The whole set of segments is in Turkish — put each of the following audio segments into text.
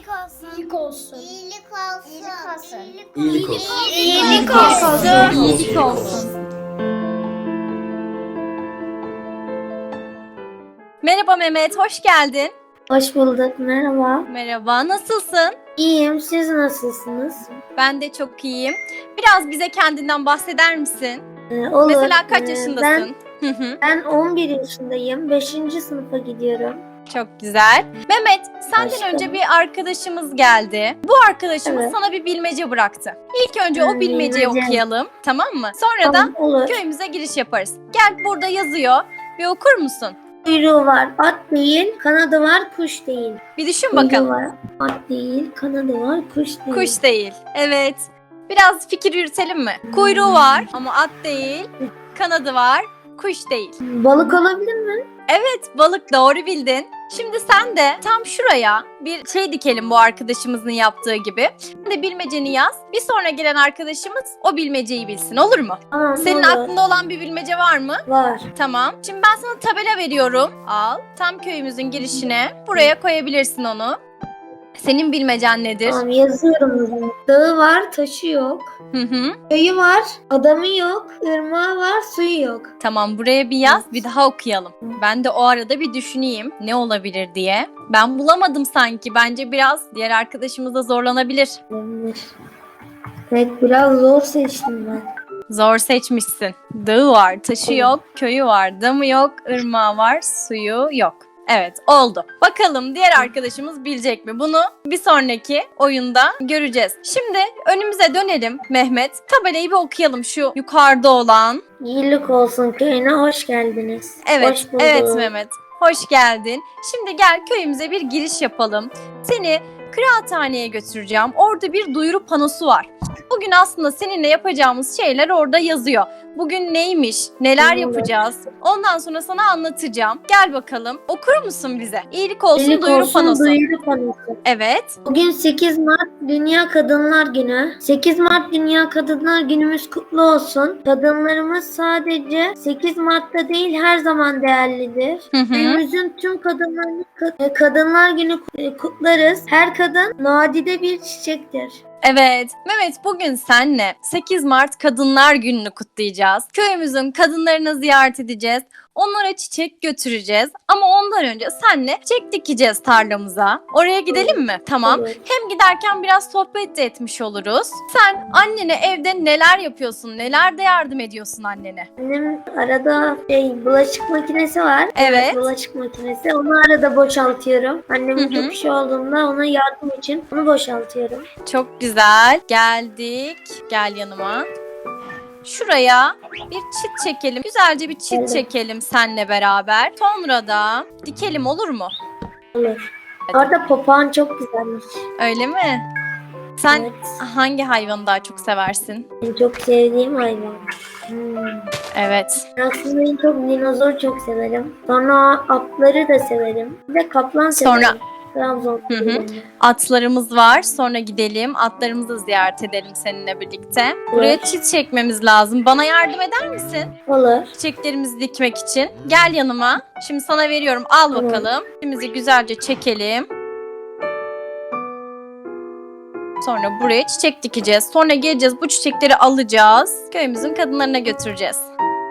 olsun. İyilik olsun. İyilik olsun. İyilik olsun. İyilik olsun. İyilik olsun. Merhaba Mehmet, hoş geldin. Hoş bulduk. Merhaba. Merhaba, nasılsın? İyiyim. Siz nasılsınız? Ben de çok iyiyim. Biraz bize kendinden bahseder misin? Olur. Mesela kaç yaşındasın? Ben 11 yaşındayım. 5. sınıfa gidiyorum. Çok güzel. Mehmet, senden Başka? önce bir arkadaşımız geldi. Bu arkadaşımız Evet. sana bir bilmece bıraktı. İlk önce o bilmeceyi bilmece. okuyalım, tamam mı? Sonra Tamam, da olur. köyümüze giriş yaparız. Gel, burada yazıyor. Bir okur musun? Kuyruğu var. At değil. Kanadı var. Kuş değil. Bir düşün Kuyruğu bakalım. var. At değil. Kanadı var. Kuş değil. Kuş değil. Evet. Biraz fikir yürütelim mi? Kuyruğu var ama at değil. Kanadı var, kuş değil. Balık olabilir mi? Evet, balık, doğru bildin. Şimdi sen de tam şuraya bir şey dikelim bu arkadaşımızın yaptığı gibi. Sen de bilmeceni yaz. Bir sonra gelen arkadaşımız o bilmeceyi bilsin, olur mu? Tamam. Senin olur. aklında olan bir bilmece var mı? Var. Tamam. Şimdi ben sana tabela veriyorum. Al. Tam köyümüzün girişine. Buraya koyabilirsin onu. Senin bilmecen nedir? Tamam, yazıyorum o zaman. Dağı var. Taşı yok. Hı hı. Köyü var. Adamı yok. Irmağı var. Suyu yok. Tamam, buraya bir yaz, bir daha okuyalım. Ben de o arada bir düşüneyim ne olabilir diye. Ben bulamadım sanki. Bence biraz diğer arkadaşımız da zorlanabilir. Olabilir. Evet, biraz zor seçtim ben. Zor seçmişsin. Dağı var, taşı yok, köyü var, damı yok, ırmağı var, suyu yok. Evet, oldu. Bakalım diğer arkadaşımız bilecek mi? Bunu bir sonraki oyunda göreceğiz. Şimdi önümüze dönelim Mehmet. Tabelayı bir okuyalım, şu yukarıda olan. İyilik olsun köyüne hoş geldiniz. Evet, Hoş bulduk. evet Mehmet. Hoş geldin. Şimdi gel köyümüze bir giriş yapalım. Seni kıraathaneye götüreceğim. Orada bir duyuru panosu var. Bugün aslında seninle yapacağımız şeyler orada yazıyor. Bugün neymiş, neler Evet. yapacağız? Ondan sonra sana anlatacağım. Gel bakalım. Okur musun bize? İyilik olsun İyilik duyuru olsun panosu. duyuru panosu. Evet. Bugün 8 Mart Dünya Kadınlar Günü. 8 Mart Dünya Kadınlar Günümüz kutlu olsun. Kadınlarımız sadece 8 Mart'ta değil her zaman değerlidir. Hı hı. Günümüzün tüm kadınlarını Kadınlar Günü kutlarız. Her kadın nadide bir çiçektir. Evet, Mehmet, bugün senle 8 Mart Kadınlar Günü'nü kutlayacağız. Köyümüzün kadınlarını ziyaret edeceğiz. Onlara çiçek götüreceğiz. Ama ondan önce senle çiçek dikeceğiz tarlamıza. Oraya gidelim mi? Tamam. Olur. Hem giderken biraz sohbet de etmiş oluruz. Sen annene evde neler yapıyorsun? Nelerde yardım ediyorsun annene? Annem arada bulaşık makinesi var. Evet. Bulaşık makinesi. Onu arada boşaltıyorum. Annemin Hı hı. çok işi olduğunda ona yardım için onu boşaltıyorum. Çok güzel. Geldik. Gel yanıma. Şuraya bir çit çekelim. Güzelce bir çit Evet. çekelim seninle beraber. Sonra da dikelim, olur mu? Olur. Orada papağan çok güzelmiş. Öyle mi? Sen Evet. hangi hayvanı daha çok seversin? En çok sevdiğim hayvan. Evet. Aslında en çok dinozor çok severim. Sonra atları da severim. Bir de kaplan Sonra- severim. Trabzon. Hı hı. Atlarımız var. Sonra gidelim. Atlarımızı ziyaret edelim seninle birlikte. Buraya çit çekmemiz lazım. Bana yardım eder misin? Olur. Çiçeklerimizi dikmek için. Gel yanıma. Şimdi sana veriyorum. Al Tamam. bakalım. Çitimizi güzelce çekelim. Sonra buraya çiçek dikeceğiz. Sonra geleceğiz, bu çiçekleri alacağız. Köyümüzün kadınlarına götüreceğiz.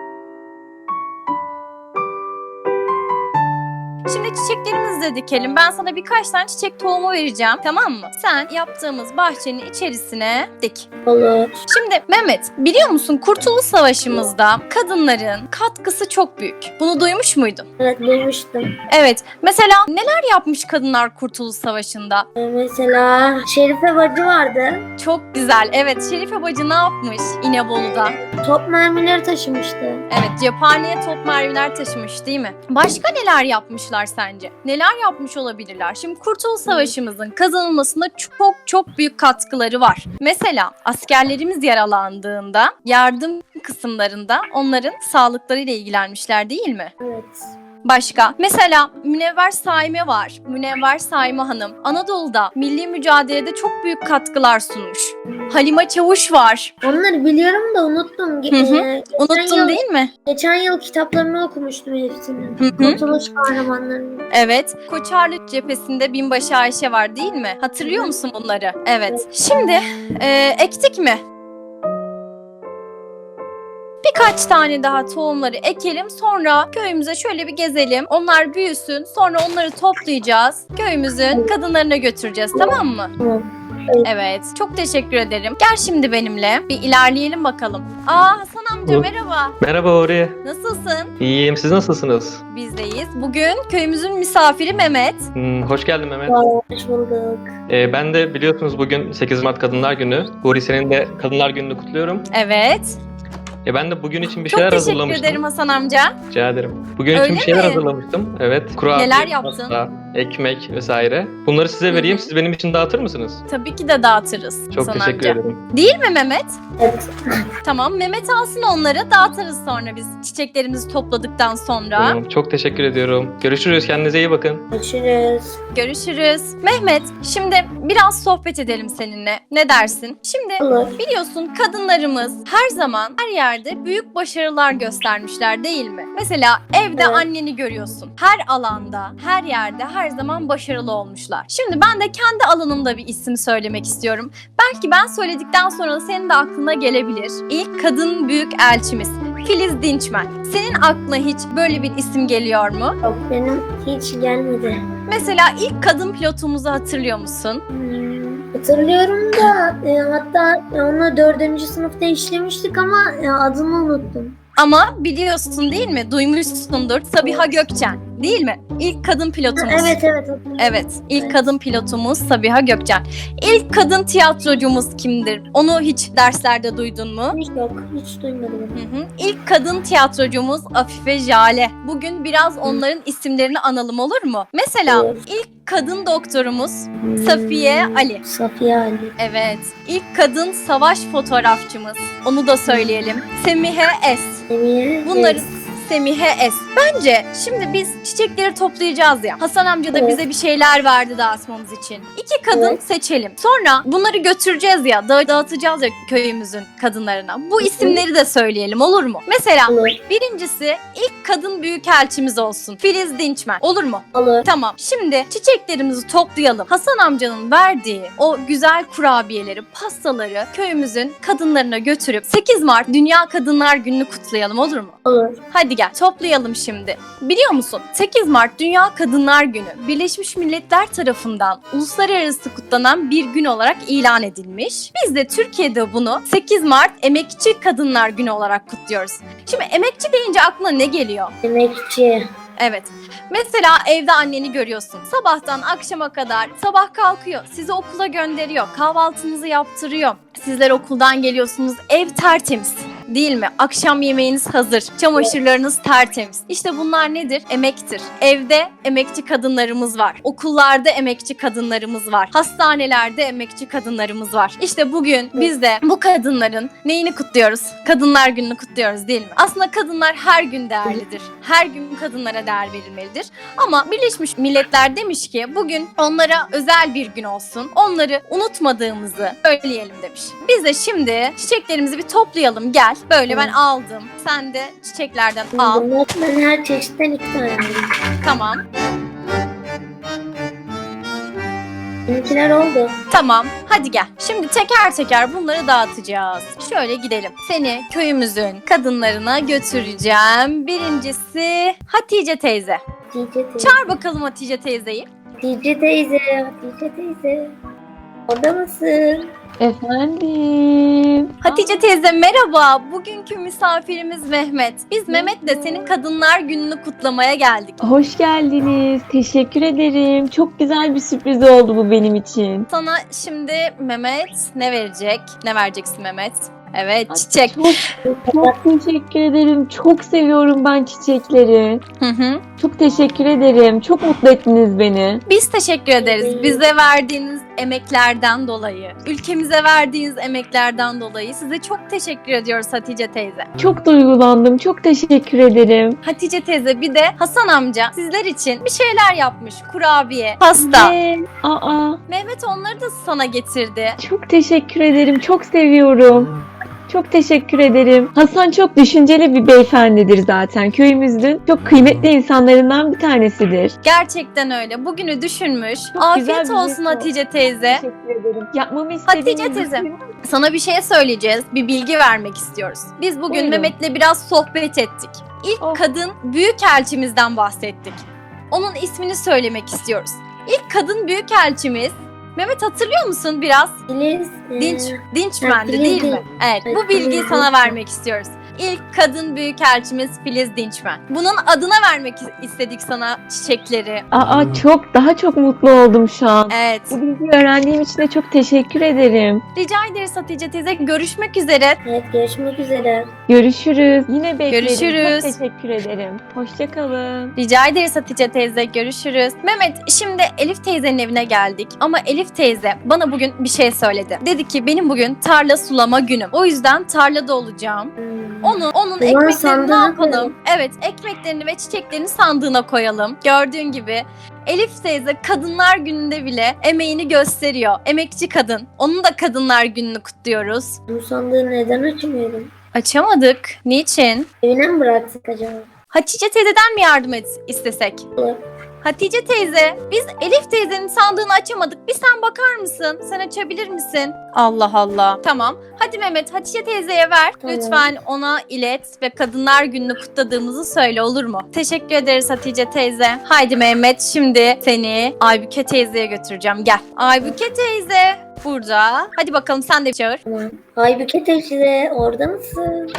Şimdi çiçeklerimizi de dikelim. Ben sana birkaç tane çiçek tohumu vereceğim. Tamam mı? Sen yaptığımız bahçenin içerisine dik. Olur. Şimdi Mehmet, biliyor musun Kurtuluş Savaşı'mızda kadınların katkısı çok büyük. Bunu duymuş muydun? Evet, duymuştum. Evet. Mesela neler yapmış kadınlar Kurtuluş Savaşı'nda? Mesela Şerife bacı vardı. Çok güzel. Evet, Şerife bacı ne yapmış İnebolu'da? Top mermileri taşımıştı. Evet, cephaneye top mermiler taşımış değil mi? Başka neler yapmışlar sence? Neler yapmış olabilirler? Şimdi Kurtuluş Savaşı'mızın kazanılmasında çok çok büyük katkıları var. Mesela askerlerimiz yaralandığında yardım kısımlarında onların sağlıklarıyla ilgilenmişler değil mi? Evet. Başka? Mesela Münevver Saime var. Münevver Saime Hanım Anadolu'da milli mücadelede çok büyük katkılar sunmuş. Halime Çavuş var. Onları biliyorum da unuttum. Unuttun değil mi? Geçen yıl kitaplarını okumuştum hepsini. Hı. Kurtuluş kahramanlarını. Evet. Koçarlı cephesinde binbaşı Ayşe var değil mi? Hatırlıyor musun bunları? Evet. Şimdi ektik mi? Birkaç tane daha tohumları ekelim. Sonra köyümüze şöyle bir gezelim. Onlar büyüsün. Sonra onları toplayacağız. Köyümüzün kadınlarına götüreceğiz. Tamam mı? Tamam. Evet. Çok teşekkür ederim. Gel şimdi benimle. Bir ilerleyelim bakalım. Hasan amca merhaba. Merhaba Ori. Nasılsın? İyiyim. Siz nasılsınız? Bizdeyiz. Bugün köyümüzün misafiri Mehmet. Hoş geldin Mehmet. Hoş bulduk. Ben de biliyorsunuz bugün 8 Mart Kadınlar Günü. Ori senin de Kadınlar Günü'nü kutluyorum. Evet. Ben de bugün için bir Çok şeyler teşekkür hazırlamıştım. ederim Hasan amca. Rica ederim. Bugün Öyle için bir şeyler mi? hazırlamıştım. Evet. Kurabiye, Neler yaptın? pasta, ekmek vesaire. Bunları size vereyim. Siz benim için dağıtır mısınız? Tabii ki de dağıtırız. Çok Hasan teşekkür amca. ederim. Değil mi Mehmet? Evet. Tamam, Mehmet alsın onları, dağıtırız sonra biz çiçeklerimizi topladıktan sonra. Tamam, çok teşekkür ediyorum. Görüşürüz. Kendinize iyi bakın. Görüşürüz. Görüşürüz. Mehmet, şimdi biraz sohbet edelim seninle. Ne dersin? Şimdi Olur. biliyorsun kadınlarımız her zaman her yerde büyük başarılar göstermişler değil mi? Mesela evde Evet. anneni görüyorsun. Her alanda, her yerde her zaman başarılı olmuşlar. Şimdi ben de kendi alanımda bir isim söylemek istiyorum. Belki ben söyledikten sonra da senin de aklına gelebilir. İlk kadın büyük elçimiz Filiz Dinçmen. Senin aklına hiç böyle bir isim geliyor mu? Yok, benim hiç gelmedi. Mesela ilk kadın pilotumuzu hatırlıyor musun? Hatırlıyorum da hatta onu 4. sınıfta işlemiştik ama adını unuttum. Ama biliyorsun değil mi? Duymuşsundur. Sabiha Gökçen değil mi? İlk kadın pilotumuz. Evet hatırlıyorum. Evet, ilk Evet. kadın pilotumuz Sabiha Gökçen. İlk kadın tiyatrocumuz kimdir? Onu hiç derslerde duydun mu? Hiç yok. Hiç duymadım. İlk kadın tiyatrocumuz Afife Jale. Bugün biraz onların isimlerini analım olur mu? Mesela Olur. ilk kadın doktorumuz Safiye Ali. Safiye Ali. Evet. İlk kadın savaş fotoğrafçımız. Onu da söyleyelim. Semihe Es. Emiye. Bunları Semihe Es. Bence şimdi biz çiçekleri toplayacağız ya. Hasan amca da Evet. bize bir şeyler verdi dağıtmamız için. İki kadın Evet. seçelim. Sonra bunları götüreceğiz ya, dağıtacağız ya köyümüzün kadınlarına. Bu isimleri de söyleyelim olur mu? Mesela Olur. birincisi ilk kadın büyükelçimiz olsun. Filiz Dinçmen. Olur mu? Olur. Tamam. Şimdi çiçeklerimizi toplayalım. Hasan amcanın verdiği o güzel kurabiyeleri, pastaları köyümüzün kadınlarına götürüp 8 Mart Dünya Kadınlar Günü'nü kutlayalım olur mu? Olur. Hadi gel toplayalım şimdi. Biliyor musun? 8 Mart Dünya Kadınlar Günü Birleşmiş Milletler tarafından uluslararası kutlanan bir gün olarak ilan edilmiş. Biz de Türkiye'de bunu 8 Mart Emekçi Kadınlar Günü olarak kutluyoruz. Şimdi emekçi deyince aklına ne geliyor? Emekçi. Evet. Mesela evde anneni görüyorsun. Sabahtan akşama kadar sabah kalkıyor. Sizi okula gönderiyor. Kahvaltınızı yaptırıyor. Sizler okuldan geliyorsunuz. Ev tertemiz. Değil mi? Akşam yemeğiniz hazır. Çamaşırlarınız tertemiz. İşte bunlar nedir? Emektir. Evde emekçi kadınlarımız var. Okullarda emekçi kadınlarımız var. Hastanelerde emekçi kadınlarımız var. İşte bugün biz de bu kadınların neyini kutluyoruz? Kadınlar Günü'nü kutluyoruz değil mi? Aslında kadınlar her gün değerlidir. Her gün kadınlara değer verilmelidir. Ama Birleşmiş Milletler demiş ki bugün onlara özel bir gün olsun. Onları unutmadığımızı söyleyelim demiş. Biz de şimdi çiçeklerimizi bir toplayalım. Gel. Böyle ben aldım. Sen de çiçeklerden al. Ben her çeşitten 2 tane aldım. Tamam. Benimkiler oldu. Tamam. Hadi gel. Şimdi teker teker bunları dağıtacağız. Şöyle gidelim. Seni köyümüzün kadınlarına götüreceğim. Birincisi Hatice teyze. Hatice teyze. Çağır bakalım Hatice teyzeyi. Hatice teyze. Hatice teyze. Orada mısın? Efendim. Hatice teyze merhaba. Bugünkü misafirimiz Mehmet. Biz Mehmet'le senin Kadınlar Günü'nü kutlamaya geldik. Hoş geldiniz. Teşekkür ederim. Çok güzel bir sürpriz oldu bu benim için. Sana şimdi Mehmet ne verecek? Ne vereceksin Mehmet? Evet, çiçek. Çok teşekkür ederim. Çok seviyorum ben çiçekleri. Hı hı. Çok teşekkür ederim. Çok mutlu ettiniz beni. Biz teşekkür ederiz. Bize verdiğiniz emeklerden dolayı, ülkemize verdiğiniz emeklerden dolayı size çok teşekkür ediyoruz Hatice teyze. Çok duygulandım. Çok teşekkür ederim. Hatice teyze bir de Hasan amca sizler için bir şeyler yapmış. Kurabiye, pasta. Ve, Mehmet onları da sana getirdi. çok teşekkür ederim. Çok seviyorum. Çok teşekkür ederim. Hasan çok düşünceli bir beyefendidir zaten. Köyümüzün çok kıymetli insanlarından bir tanesidir. Gerçekten öyle. Bugünü düşünmüş. Çok güzel Afiyet bir olsun jest Hatice teyze. Teşekkür ederim. Yapmamı istediğiniz Hatice teyze, sana bir şey söyleyeceğiz. Bir bilgi vermek istiyoruz. Biz bugün Buyurun. Mehmet'le biraz sohbet ettik. İlk Oh. kadın büyükelçimizden bahsettik. Onun ismini söylemek istiyoruz. İlk kadın büyükelçimiz Mehmet, hatırlıyor musun biraz? Filiz. Dinçmen'di Filiz değil mi? değil. Evet, Evet, bu bilgiyi Filiz sana Dinçmen. vermek istiyoruz. İlk kadın büyükelçimiz Filiz Dinçmen. Bunun adına vermek istedik sana çiçekleri. Daha çok mutlu oldum şu an. Evet. Bu bilgiyi öğrendiğim için de çok teşekkür ederim. Rica ederiz Hatice teyze. Görüşmek üzere. Evet, görüşmek üzere. Görüşürüz. Yine bekleriz. Görüşürüz. Çok teşekkür ederim. Hoşça kalın. Rica ederiz Hatice teyze. Görüşürüz. Mehmet, şimdi Elif teyzenin evine geldik. Ama Elif teyze bana bugün bir şey söyledi. Dedi ki benim bugün tarla sulama günüm. O yüzden tarlada olacağım. Onun ekmeklerini ne sandığına yapalım? koyalım. Evet, ekmeklerini ve çiçeklerini sandığına koyalım. Gördüğün gibi Elif teyze Kadınlar Günü'nde bile emeğini gösteriyor. Emekçi kadın. Onun da Kadınlar Günü'nü kutluyoruz. Bu sandığı neden açmıyorum? Açamadık. Niçin? Evine mi bıraktık acaba? Hatice teyzeden mi yardım istesek? Olur. Hatice teyze, biz Elif teyzenin sandığını açamadık. Bir sen bakar mısın? Sen açabilir misin? Allah Allah. Tamam. Hadi Mehmet, Hatice teyzeye ver. Tamam. Lütfen ona ilet ve Kadınlar Günü'nü kutladığımızı söyle, olur mu? Teşekkür ederiz Hatice teyze. Haydi Mehmet, şimdi seni Aybüke teyzeye götüreceğim. Gel. Aybüke teyze burada. Hadi bakalım, sen de çağır. Tamam. Aybüke teyze, orada mısın?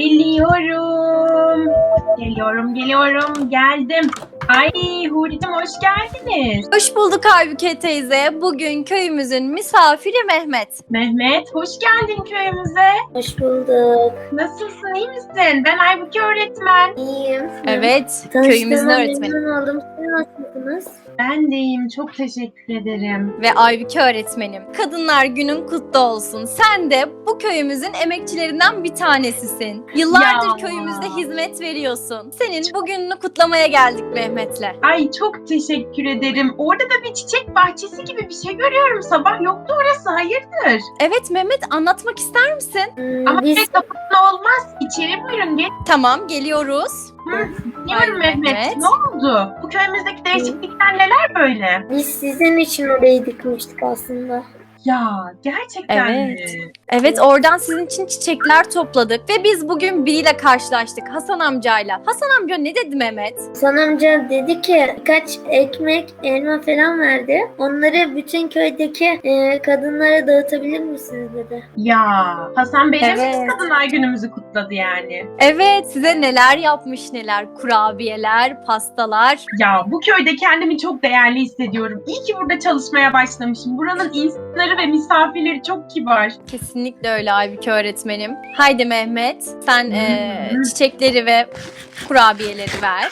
Geliyorum. Geliyorum. Geldim. Ay Huri'cim, hoş geldiniz. Hoş bulduk Aybüke teyze. Bugün köyümüzün misafiri Mehmet. Mehmet, hoş geldin köyümüze. Hoş bulduk. Nasılsın, iyi misin? Ben Aybüke öğretmen. İyiyim. Evet, köyümüzün Tanıştığıma öğretmeni. memnun oldum. Siz nasılsınız? Ben de iyiyim, çok teşekkür ederim. Ve Aybüke öğretmenim. Kadınlar Günün kutlu olsun. Sen de bu köyümüzün emekçilerinden bir tanesisin. Yıllardır Ya. köyümüzde hizmet veriyorsun. Senin bugününü kutlamaya geldik Mehmet'le. Ay çok teşekkür ederim. Orada da bir çiçek bahçesi gibi bir şey görüyorum. Sabah yoktu orası, hayırdır? Evet Mehmet, anlatmak ister misin? Ama Biz pek kapatma olmaz. İçeri buyurun, gel. Tamam, geliyoruz. Diyorum Ay, Mehmet. Mehmet. Ne oldu? Bu köyümüzdeki değişiklikler neler böyle? biz sizin için orayı dikmiştik aslında. Ya gerçekten Evet. mi? Evet, oradan sizin için çiçekler topladık ve biz bugün biriyle karşılaştık, Hasan amcayla. Hasan amca ne dedi Mehmet? Hasan amca dedi ki birkaç ekmek, elma falan verdi. Onları bütün köydeki kadınlara dağıtabilir misiniz dedi. Ya Hasan Bey de mi Evet. Kadınlar Günümüzü kutladı yani? Evet, size neler yapmış neler. Kurabiyeler, pastalar. Ya bu köyde kendimi çok değerli hissediyorum. İyi ki burada çalışmaya başlamışım. Buranın insanları ve misafirleri çok kibar. Kesinlikle öyle Aybüke öğretmenim. Haydi Mehmet, sen çiçekleri ve kurabiyeleri ver.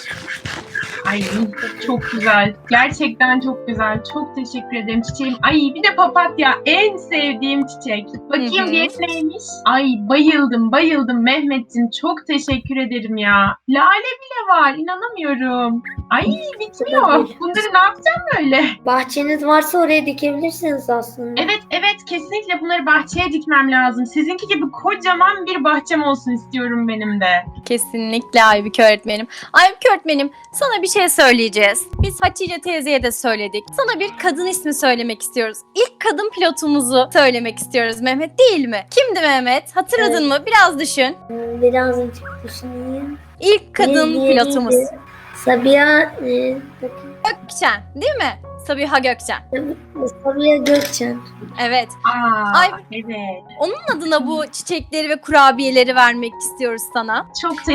Ay çok güzel. Gerçekten çok güzel. Çok teşekkür ederim çiçeğim. Ay bir de papatya. En sevdiğim çiçek. Bakayım Hı hı. diğeri neymiş? Ay bayıldım Mehmetciğim. Çok teşekkür ederim ya. Lale bile var. İnanamıyorum. Ay bitmiyor. Bunları ne yapacağım böyle? Bahçeniz varsa oraya dikebilirsiniz aslında. Evet kesinlikle bunları bahçeye dikmem lazım. Sizinki gibi kocaman bir bahçem olsun istiyorum benim de. Kesinlikle Aybüke öğretmenim. Aybüke öğretmenim, sana bir şey söyleyeceğiz. Biz Hatice teyzeye de söyledik. Sana bir kadın ismi söylemek istiyoruz. İlk kadın pilotumuzu söylemek istiyoruz Mehmet, değil mi? Kimdi Mehmet? Hatırladın mı? Biraz düşün. Birazcık düşüneyim. İlk kadın Neydi, pilotumuz. neydi? Sabiha, bakayım. Gökçen, değil mi? Sabiha Gökçen. Sabiha Gökçen. Evet. Aa, Ay. evet. Onun adına bu çiçekleri ve kurabiyeleri vermek istiyoruz sana. Çok teşekkür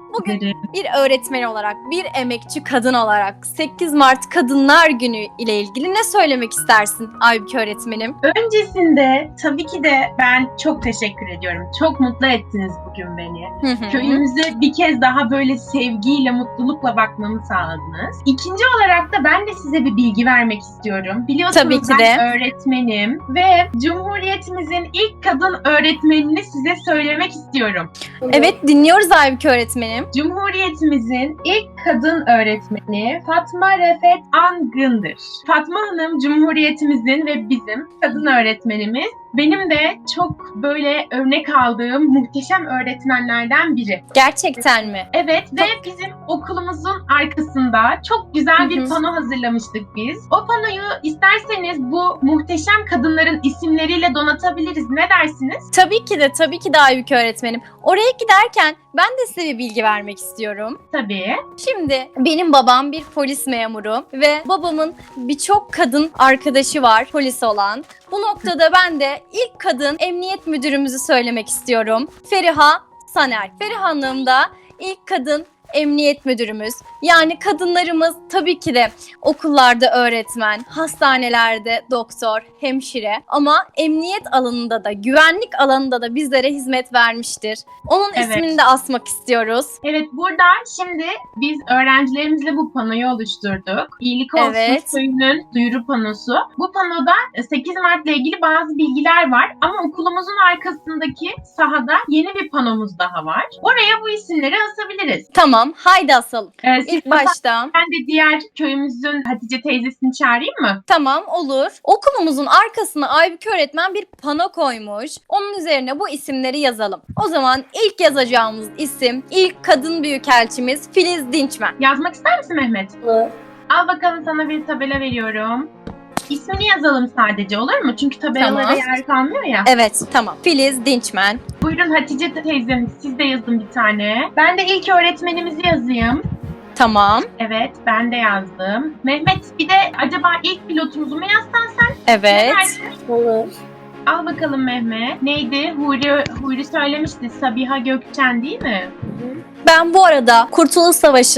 Bugün bir öğretmen olarak, bir emekçi kadın olarak 8 Mart Kadınlar Günü ile ilgili ne söylemek istersin Aybüke öğretmenim? Öncesinde tabii ki de ben çok teşekkür ediyorum. Çok mutlu ettiniz bugün beni. Köyümüze bir kez daha böyle sevgiyle, mutlulukla bakmamı sağladınız. İkinci olarak da ben de size bir bilgi vermek istiyorum. Biliyorsunuz Tabii ki ben de. öğretmenim ve Cumhuriyetimizin ilk kadın öğretmenini size söylemek istiyorum. Evet, dinliyoruz Aybüke öğretmenim. Cumhuriyetimizin ilk kadın öğretmeni Fatma Refet Angın'dır. Fatma Hanım Cumhuriyetimizin ve bizim kadın öğretmenimiz. Benim de çok böyle örnek aldığım muhteşem öğretmenlerden biri. Gerçekten mi? Evet ve bizim okulumuzun arkasında çok güzel bir pano hazırlamıştık biz. O panoyu isterseniz bu muhteşem kadınların isimleriyle donatabiliriz. Ne dersiniz? Tabii ki de Aybüke öğretmenim. Oraya giderken ben de size bir bilgi vermek istiyorum. Tabii. Şimdi benim babam bir polis memuru ve babamın birçok kadın arkadaşı var polis olan. Bu noktada ben de ilk kadın emniyet müdürümüzü söylemek istiyorum. Feriha Saner. Feriha Hanım da ilk kadın emniyet müdürümüz. Yani kadınlarımız tabii ki de okullarda öğretmen, hastanelerde doktor, hemşire ama emniyet alanında da, güvenlik alanında da bizlere hizmet vermiştir. Onun ismini de asmak istiyoruz. Evet, burada şimdi biz öğrencilerimizle bu panoyu oluşturduk. İyilik Olsun Köyü'nün duyuru panosu. Bu panoda 8 Mart ile ilgili bazı bilgiler var ama okulumuzun arkasındaki sahada yeni bir panomuz daha var. Oraya bu isimleri asabiliriz. Tamam, haydi asalım. İlk başta. Ben de diğer köyümüzün Hatice teyzesini çağırayım mı? Tamam, olur. Okulumuzun arkasına Aybüke öğretmen bir pano koymuş. Onun üzerine bu isimleri yazalım. O zaman ilk yazacağımız isim, ilk kadın büyükelçimiz Filiz Dinçmen. Yazmak ister misin Mehmet? Olur. Al bakalım, sana bir tabela veriyorum. İsmini yazalım sadece, olur mu? Çünkü tabelalara yer kalmıyor ya. Evet, tamam. Filiz Dinçmen. Buyurun Hatice teyzemiz, siz de yazın bir tane. Ben de ilk öğretmenimizi yazayım. Tamam. Evet, ben de yazdım. Mehmet, bir de acaba ilk pilotumuzu mu yazsan sen? Evet. Olur. Al bakalım Mehmet. Neydi? Huri söylemişti. Sabiha Gökçen değil mi? Ben bu arada Kurtuluş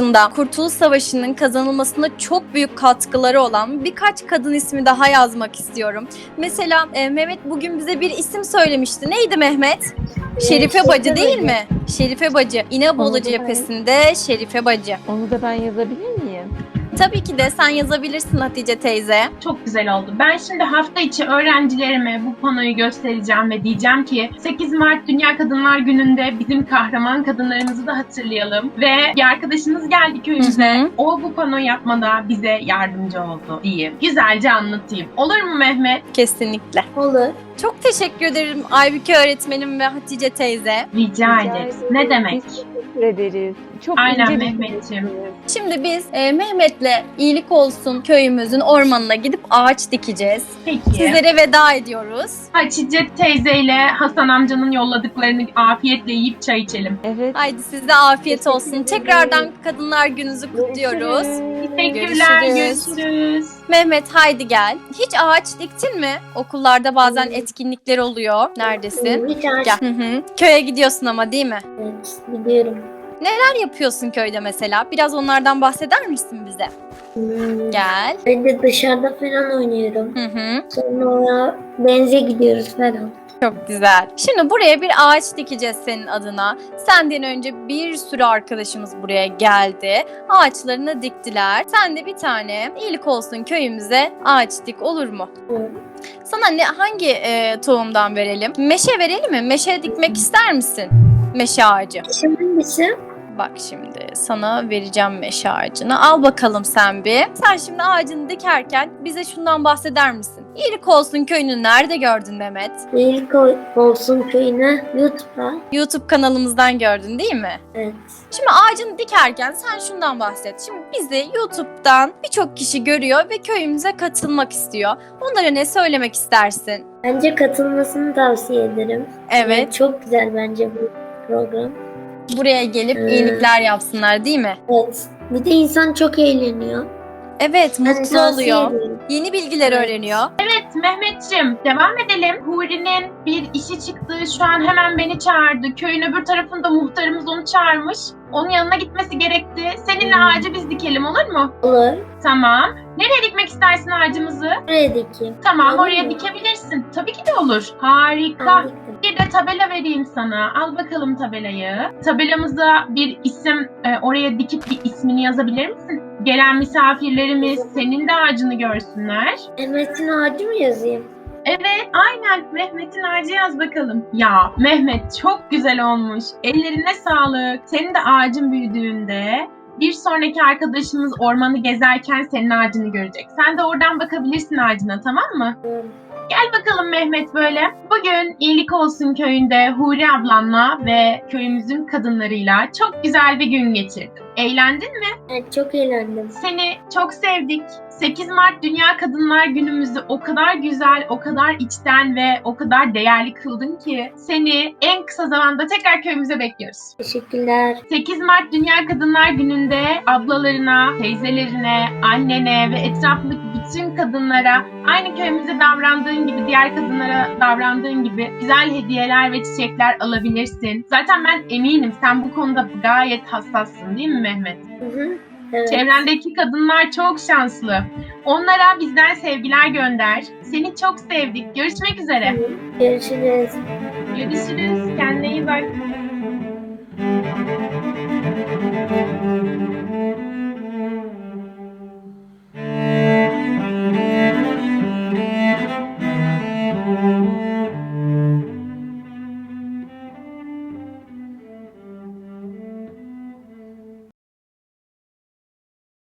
Savaşı'nın kazanılmasında çok büyük katkıları olan birkaç kadın ismi daha yazmak istiyorum. Mesela Mehmet bugün bize bir isim söylemişti. Neydi Mehmet? Şerife Bacı değil mi? Şerife Bacı. İnebolu cephesinde Şerife Bacı. Onu da ben yazabilir miyim? Tabii ki de sen yazabilirsin Hatice teyze. Çok güzel oldu. Ben şimdi hafta içi öğrencilerime bu panoyu göstereceğim ve diyeceğim ki 8 Mart Dünya Kadınlar Günü'nde bizim kahraman kadınlarımızı da hatırlayalım. Ve bir arkadaşınız geldi köyümüze. O bu pano yapmada bize yardımcı oldu diyeyim. Güzelce anlatayım. Olur mu Mehmet? Kesinlikle. Olur. Çok teşekkür ederim Aybüke öğretmenim ve Hatice teyze. Rica ederiz. Ne demek? Biz teşekkür ederiz. Çok Aynen ince bir Mehmetciğim. şey. Şimdi biz Mehmet'le iyilik olsun köyümüzün ormanına gidip ağaç dikeceğiz. Peki. Sizlere veda ediyoruz. Hatice teyzeyle Hasan amcanın yolladıklarını afiyetle yiyip çay içelim. Evet. Haydi size afiyet olsun. Tekrardan Kadınlar Gününüzü kutluyoruz. Teşekkürler. Görüşürüz. Görüşürüz. Mehmet haydi gel. Hiç ağaç diktin mi? Okullarda bazen etkinlikler oluyor. Neredesin? Bir tane. Gel. Köye gidiyorsun ama değil mi? Evet, biliyorum. Neler yapıyorsun köyde mesela? Biraz onlardan bahseder misin bize? Gel. Ben de dışarıda falan oynuyorum. Sonra denize gidiyoruz falan. Çok güzel. Şimdi buraya bir ağaç dikeceğiz senin adına. Senden önce bir sürü arkadaşımız buraya geldi. Ağaçlarını diktiler. Sen de bir tane iyilik olsun köyümüze ağaç dik, olur mu? Evet. Sana hangi tohumdan verelim? Meşe verelim mi? Meşe dikmek ister misin? Meşe ağacı. Hangisi? Bak şimdi sana vereceğim meşe ağacını. Al bakalım sen bir. Sen şimdi ağacını dikerken bize şundan bahseder misin? İyilik olsun köyünü nerede gördün Mehmet? İyilik olsun köyüne YouTube'da. YouTube kanalımızdan gördün değil mi? Evet. Şimdi ağacını dikerken sen şundan bahset. Şimdi bizi YouTube'dan birçok kişi görüyor ve köyümüze katılmak istiyor. Onlara ne söylemek istersin? Bence katılmasını tavsiye ederim. Evet. Yani çok güzel bence bu program. Buraya gelip iyilikler yapsınlar değil mi? Evet. Bir de insan çok eğleniyor. Evet, Ben mutlu tavsiye oluyor. ediyorum. Yeni bilgiler öğreniyor. Evet Mehmetciğim, devam edelim. Huri'nin bir işi çıktı. Şu an hemen beni çağırdı. Köyün öbür tarafında muhtarımız onu çağırmış. Onun yanına gitmesi gerekti. Seninle ağacı biz dikelim, olur mu? Olur. Tamam. Nereye dikmek istersin ağacımızı? Buraya dikeyim. Tamam, Olur oraya mu? dikebilirsin. Tabii ki de olur. Harika. Ben diktim. Bir de tabela vereyim sana. Al bakalım tabelayı. Tabelamıza bir isim, oraya dikip bir ismini yazabilir misin? Gelen misafirlerimiz senin de ağacını görsünler. Mehmet'in ağacı mı yazayım? Evet, aynen. Mehmet'in ağacı yaz bakalım. Ya Mehmet çok güzel olmuş. Ellerine sağlık. Senin de ağacın büyüdüğünde bir sonraki arkadaşımız ormanı gezerken senin ağacını görecek. Sen de oradan bakabilirsin ağacına, tamam mı? Tamam. Gel bakalım Mehmet böyle. Bugün İyilik Olsun köyünde Huri ablanla ve köyümüzün kadınlarıyla çok güzel bir gün geçirdim. Eğlendin mi? Evet, çok eğlendim. Seni çok sevdik. 8 Mart Dünya Kadınlar Günümüzü o kadar güzel, o kadar içten ve o kadar değerli kıldın ki seni en kısa zamanda tekrar köyümüze bekliyoruz. Teşekkürler. 8 Mart Dünya Kadınlar Günü'nde ablalarına, teyzelerine, annene ve etrafındaki bütün kadınlara aynı köyümüze davrandığın gibi, diğer kadınlara davrandığın gibi güzel hediyeler ve çiçekler alabilirsin. Zaten ben eminim sen bu konuda gayet hassassın, değil mi Mehmet? Hı hı. Evet. Çevrendeki kadınlar çok şanslı. Onlara bizden sevgiler gönder. Seni çok sevdik. Görüşmek üzere. Görüşürüz. Görüşürüz. Kendine iyi bak.